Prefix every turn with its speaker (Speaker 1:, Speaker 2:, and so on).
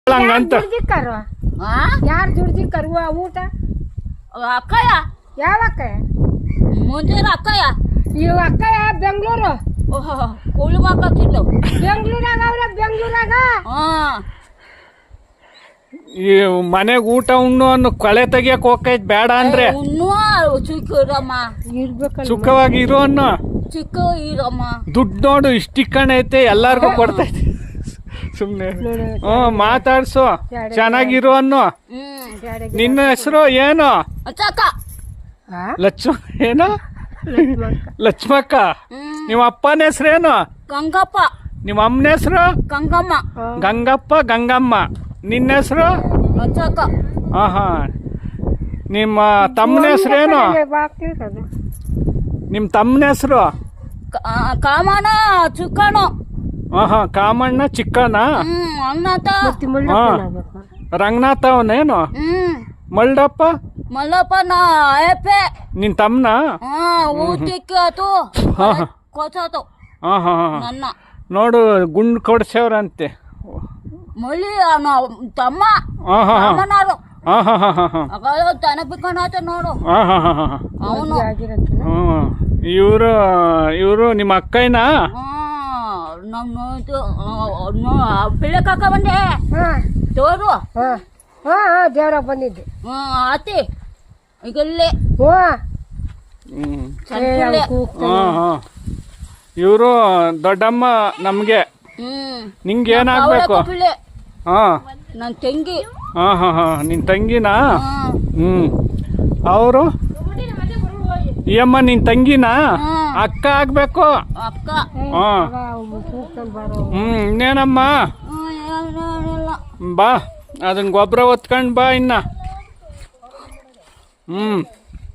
Speaker 1: ಹಂಗಂತ
Speaker 2: ದುಡ್ದಿಕ್ಕರು ಯಾರು ದುಡ್ದಿಕ್ಕರು ಊಟ
Speaker 3: ಅಕ್ಕಯ್ಯ
Speaker 2: ಯಾವ ಅಕ್ಕಯ್ಯ
Speaker 3: ಮುಂದಿನ ಅಕ್ಕಯ್ಯ
Speaker 2: ಇವ್ ಅಕ್ಕಯ್ಯ ಬೆಂಗಳೂರು
Speaker 3: ಕೂಳಿ ಮಾತಾಡ್ತಿದ್ಲು
Speaker 2: ಬೆಂಗಳೂರಾಗ ಅವ್ರ ಬೆಂಗಳೂರಾಗ
Speaker 1: ಈ ಮನೆಗ್ ಊಟ ಉಣ್ಣು ಅನ್ನು ಕೊಳೆ ತೆಗಿಯಕ್ ಹೋಗೈತ್ ಬೇಡ ಅಂದ್ರೆ
Speaker 3: ಇನ್ನೂ ಚಿಕ್ಕ ಇರಮ್ಮ
Speaker 2: ಇರ್ಬೇಕಲ್ಲ
Speaker 1: ಸುಖವಾಗಿ ಇರೋ ಅನ್ನು
Speaker 3: ಚಿಕ್ಕ ಇರಮ್ಮ
Speaker 1: ದುಡ್ಡು ನೋಡು ಇಷ್ಟಿಕ್ಕಣ ಐತೆ ಎಲ್ಲಾರ್ಗು ಕೊಡ್ತೈತೆ ಸುಮ್ನೆ ಮಾತಾಡ್ಸು ಚೆನ್ನಾಗಿರೋ ಅನ್ನು ನಿನ್ನ ಹೆಸರು ಏನು
Speaker 3: ಅಕ್ಕ
Speaker 1: ಲಕ್ಷ್ಮ ಏನು ಲಕ್ಷ್ಮಕ್ಕ ನಿಮ್ಮ ಅಪ್ಪನ ಹೆಸರೇನು
Speaker 3: ಗಂಗಪ್ಪ
Speaker 1: ನಿಮ್ಮ ಅಮ್ಮನ ಹೆಸರು
Speaker 3: ಗಂಗಮ್ಮ
Speaker 1: ಗಂಗಪ್ಪ ಗಂಗಮ್ಮ ನಿನ್ನ ಹೆಸರು
Speaker 3: ಅಕ್ಕ
Speaker 1: ಹಾ ನಿಮ್ಮ ತಮ್ಮನ ಹೆಸರೇನು ನಿಮ್ಮ ತಮ್ಮನ ಹೆಸರು
Speaker 3: ಕಾಮನ ಚಿಕ್ಕಣ
Speaker 1: ಕಾಮಣ್ಣ ಚಿಕ್ಕಣ್ಣ
Speaker 3: ಅಣ್ಣತ
Speaker 1: ರಂಗನಾಥ ಅವನೇನು ಮಲ್ಡಪ್ಪ
Speaker 3: ಮಲ್ಲಪ್ಪ ನಾ ಅಯ್ಯಪ್ಪೆ
Speaker 1: ನಿನ್ ತಮ್ಮನ
Speaker 3: ಊಟಕ್ಕೆ ಆತು ಕೊಸಾತು ನನ್ನ
Speaker 1: ನೋಡು ಗುಂಡು ಕೊಡ್ಸವ್ರಂತೆ
Speaker 3: ಮಳಿ ತಮ್ಮ ತಮ್ಮನಾರು ತನಪಿಕನಾತ ನೋಡು ಅವನು
Speaker 1: ಇವರು ನಿಮ್ಮ ಅಕ್ಕಯ್ಯನ
Speaker 3: ಪಿಳ್ಳೆ ಕಾಕ ಬಂದೆ ತೋರು
Speaker 2: ದೇವ್ರಾಗ ಬಂದಿದ್ದೆ
Speaker 3: ಆತಿ ಈಗಲ್ಲೇ
Speaker 1: ಇವರು ದೊಡ್ಡಮ್ಮ ನಮ್ಗೆ ನಿಂಗೆ ಏನಾಗ್ಬೇಕು
Speaker 3: ನನ್ನ ತಂಗಿ
Speaker 1: ನಿನ್ ತಂಗಿನಾ ಅವರು ಈ ಅಮ್ಮ ನಿನ್ ತಂಗಿನಾ ಅಕ್ಕ ಆಗ್ಬೇಕು
Speaker 3: ಅಕ್ಕ
Speaker 1: ಇನ್ನೇನಮ್ಮ ಬಾ ಅದನ್ನ ಗೊಬ್ಬರ ಹೊತ್ಕೊಂಡ್ ಬಾ ಇನ್ನ